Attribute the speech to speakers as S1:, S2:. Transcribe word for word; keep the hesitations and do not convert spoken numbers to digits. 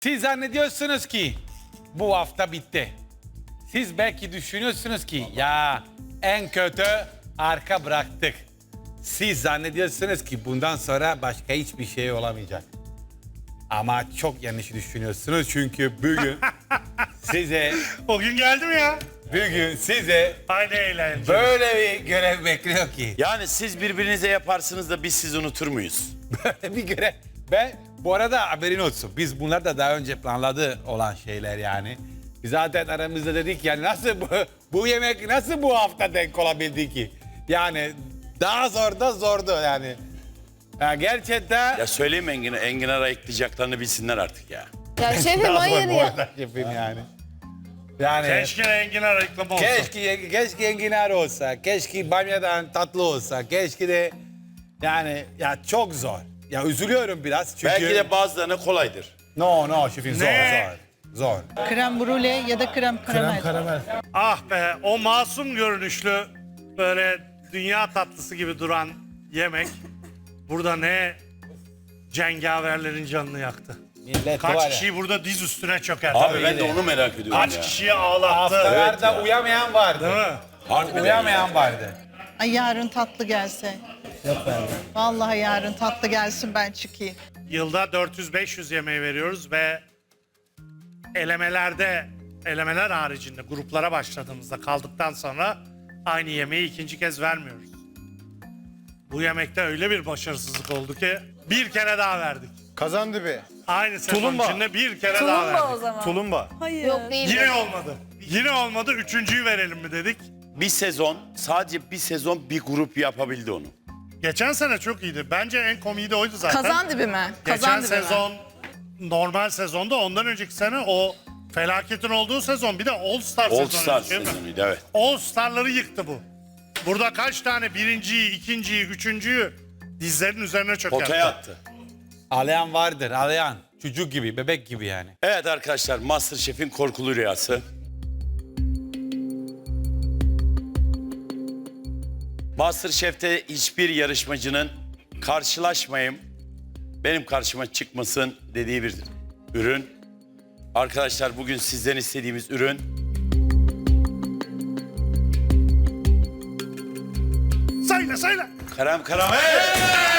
S1: Siz zannediyorsunuz ki bu hafta bitti. Siz belki düşünüyorsunuz ki ya en kötü arka bıraktık. Siz zannediyorsunuz ki bundan sonra başka hiçbir şey olamayacak. Ama çok yanlış düşünüyorsunuz çünkü bugün size
S2: O gün geldi mi ya?
S1: bugün size
S2: Aynı eğlence.
S1: böyle bir görev bekliyor ki.
S3: Yani siz birbirinize yaparsınız da biz sizi unutur muyuz?
S1: Böyle bir görev. Ben bu arada haberin olsun. Biz bunlar da daha önce planladı olan şeyler yani. Biz zaten aramızda dedik yani nasıl bu, bu yemek nasıl bu hafta denk olabildi ki? Yani daha zor da zordu yani. Ya gerçekten
S3: Ya söyleyeyim Engin, Enginar'a ekleyeceklerini bilsinler artık ya.
S4: Ya şefim
S1: daha zor
S4: hayır
S1: bu
S4: ya.
S1: arada şefim yani. Yani
S2: Keşke enginar reklamı olsa.
S1: keşke, keşke enginar olsa, keşke bamyadan tatlı olsa, keşke de yani ya çok zor. Ya üzülüyorum biraz çünkü...
S3: Belki de bazılarına kolaydır.
S1: No no şefim zor
S2: Ne?
S1: zor. Zor.
S5: Krem brûlée ya da krem karamel.
S2: Ah be, o masum görünüşlü böyle dünya tatlısı gibi duran yemek burada ne cengaverlerin canını yaktı.
S1: Millet var
S2: Kaç
S1: ya,
S2: kişiyi burada diz üstüne çökertti.
S3: Abi ben de onu merak ediyorum
S2: Kaç
S3: ya.
S2: kişiyi ağlattı.
S1: haftalarda
S3: Evet ya.
S1: uyamayan vardı.
S2: Değil mi?
S3: Harbiden
S1: Uyamayan
S3: ya.
S1: vardı.
S5: Ay yarın tatlı gelse. Yok bende. Vallahi yarın tatlı gelsin ben çıkayım.
S2: Yılda dört yüz beş yüz yemeği veriyoruz ve elemelerde, elemeler haricinde gruplara başladığımızda kaldıktan sonra aynı yemeği ikinci kez vermiyoruz. Bu yemekte öyle bir başarısızlık oldu ki bir kere daha verdik.
S6: Kazandibi.
S2: Aynı sezon
S6: Tulumba.
S2: içinde bir kere daha
S4: Tulumba o
S2: verdik.
S4: zaman.
S6: Tulumba.
S4: Hayır. Yok değil.
S2: Yine olmadı. Yine olmadı. Üçüncüyü verelim mi dedik.
S3: Bir sezon, sadece bir sezon bir grup yapabildi onu.
S2: Geçen sene çok iyiydi. Bence en komiği de oydu zaten.
S4: Kazan dibi mi?
S2: Geçen
S4: Kazan dibi mi?
S2: sezon normal sezonda, ondan önceki sene o felaketin olduğu sezon, bir de All Star
S3: All
S2: sezonu.
S3: Star
S2: değil mi?
S3: sezonuydu evet.
S2: All Star'ları yıktı bu. Burada kaç tane birinciyi, ikinciyi, üçüncüyü dizlerin üzerine çökertti.
S3: Potaya attı.
S1: Ağlayan vardır, ağlayan. Çocuk gibi, bebek gibi yani.
S3: Evet arkadaşlar, MasterChef'in korkulu rüyası. MasterChef'te hiçbir yarışmacının karşılaşmayayım, benim karşıma çıkmasın dediği bir ürün. Arkadaşlar bugün sizden istediğimiz ürün
S2: Söyle söyle.
S3: krem karamel.